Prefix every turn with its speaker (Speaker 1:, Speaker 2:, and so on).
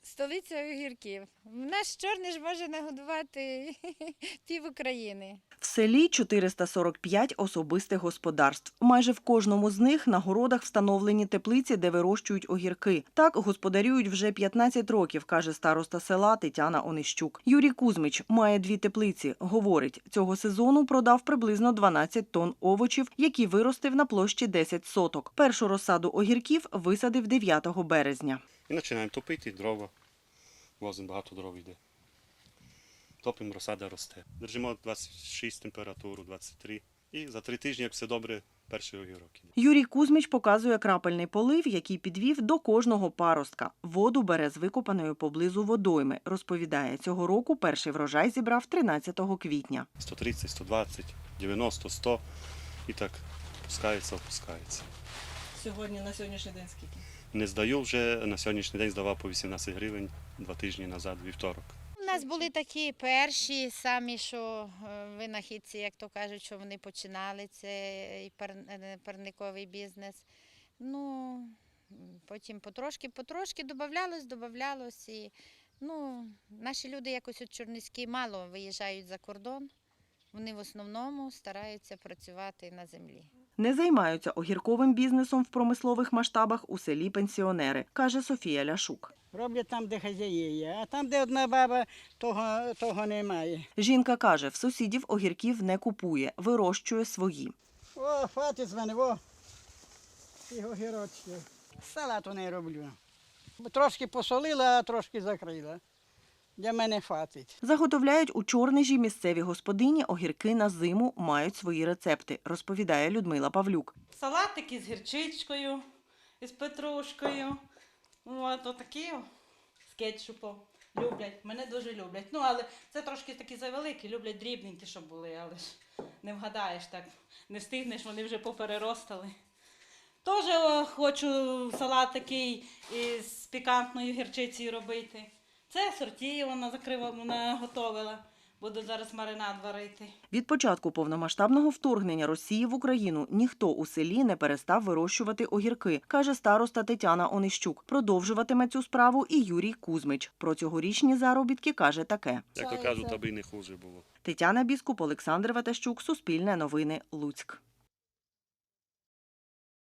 Speaker 1: Столиця огірків. Наш чорний ж може нагодувати пів України.
Speaker 2: В селі 445 особистих господарств. Майже в кожному з них на городах встановлені теплиці, де вирощують огірки. Так господарюють вже 15 років, каже староста села Тетяна Онищук. Юрій Кузьмич має 2 теплиці. Говорить, цього сезону продав приблизно 12 тонн овочів, які виростив на площі 10 соток. Першу розсаду огірків висадив 9 березня.
Speaker 3: І починаємо топити дрова. Возимо багато дров йде. Топимо, розсада росте. Держимо 26 температуру, 23. І за 3 тижні, як все добре, перший огірок іде.
Speaker 2: Юрій Кузьмич показує крапельний полив, який підвів до кожного паростка. Воду бере з викопаної поблизу водойми. Розповідає, цього року перший врожай зібрав 13 квітня.
Speaker 3: 130, 120, 90, 100. І так опускається.
Speaker 4: Сьогодні, на сьогоднішній день скільки?
Speaker 3: Не здаю вже, на сьогоднішній день здавав по 18 гривень 2 тижні назад, вівторок.
Speaker 1: У нас були такі перші самі, що винахідці, як то кажуть, що вони починали цей парниковий бізнес. Ну, потім потрошки додавалось. І, наші люди якось от чорниські мало виїжджають за кордон. Вони в основному стараються працювати на землі.
Speaker 2: Не займаються огірковим бізнесом в промислових масштабах у селі пенсіонери, каже Софія Ляшук.
Speaker 5: Роблять там, де хазяї є, а там, де одна баба, того немає.
Speaker 2: Жінка каже, в сусідів огірків не купує, вирощує свої.
Speaker 5: О, хватить з мене, і огірочки. Салату не роблю. Трошки посолила, а трошки закрила. Для мене хватить.
Speaker 2: Заготовляють у Чорнижі місцеві господині огірки на зиму, мають свої рецепти, розповідає Людмила Павлюк.
Speaker 4: Салатики з гірчичкою, з петрушкою. Отакі з кетчупом. Люблять, мене дуже люблять. Але це трошки такі завеликі, люблять дрібненькі, щоб були, але ж не вгадаєш так, не встигнеш, вони вже попереростали. Теж хочу салат такий із пікантною гірчицею робити. Це сорті вона готовила. Буду зараз маринад варити.
Speaker 2: Від початку повномасштабного вторгнення Росії в Україну ніхто у селі не перестав вирощувати огірки, каже староста Тетяна Онищук. Продовжуватиме цю справу і Юрій Кузьмич. Про цьогорічні заробітки каже таке.
Speaker 3: Як то кажуть, аби й не хуже було.
Speaker 2: Тетяна Біскуп, Олександр Ватащук, Суспільне новини, Луцьк.